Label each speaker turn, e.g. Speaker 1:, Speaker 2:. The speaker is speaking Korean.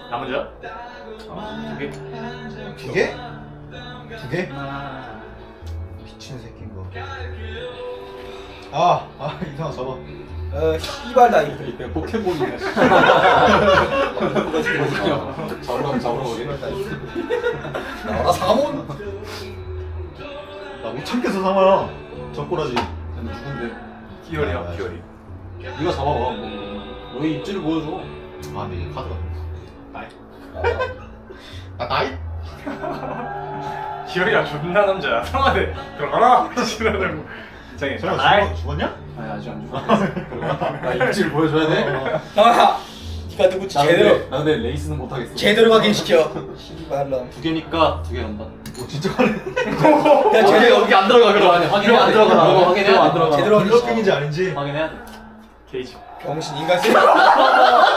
Speaker 1: 나 먼저? 두 개?
Speaker 2: 두 개? 두 개? 미친 새끼인 거. 이상한 잡아.
Speaker 3: 씨발다 이거.
Speaker 4: 내가 포켓몬이야. 잡으러 오게.
Speaker 3: 나와라 상암원.
Speaker 2: 나 못 참겠어 상아야. 젖꼬라지.
Speaker 4: 누군데?
Speaker 1: 기열이야 기열이.
Speaker 4: 네가 잡아봐. 너의 입지를 보여줘.
Speaker 2: 근데 이게 카드가.
Speaker 1: 나이.
Speaker 2: 나이?
Speaker 1: 기열이야 존나 남자야. 성화대 들어가라. 지나가고. 이상해.
Speaker 2: 설마
Speaker 1: 나이.
Speaker 2: 죽었냐?
Speaker 4: 아니 아직 안 죽었어. 나 입지를 보여줘야 돼.
Speaker 3: 상아. 네가 누구지 제대로
Speaker 4: 나 근데 레이스는 못하겠어.
Speaker 3: 제대로 확인시켜. 씨발놈.
Speaker 4: 두 개니까 두 개 간다.
Speaker 2: 진짜 가네.
Speaker 3: 야 제대로
Speaker 4: 여기 안 들어가 그럼. 확인해야 돼.
Speaker 1: 들어가.
Speaker 4: 확인해야 안 들어가.
Speaker 3: 제대로 확인시켜.
Speaker 2: 블러핑인지 아닌지.
Speaker 4: 확인해야 돼.
Speaker 1: 게이지.
Speaker 3: 병신 인간 쓰레기.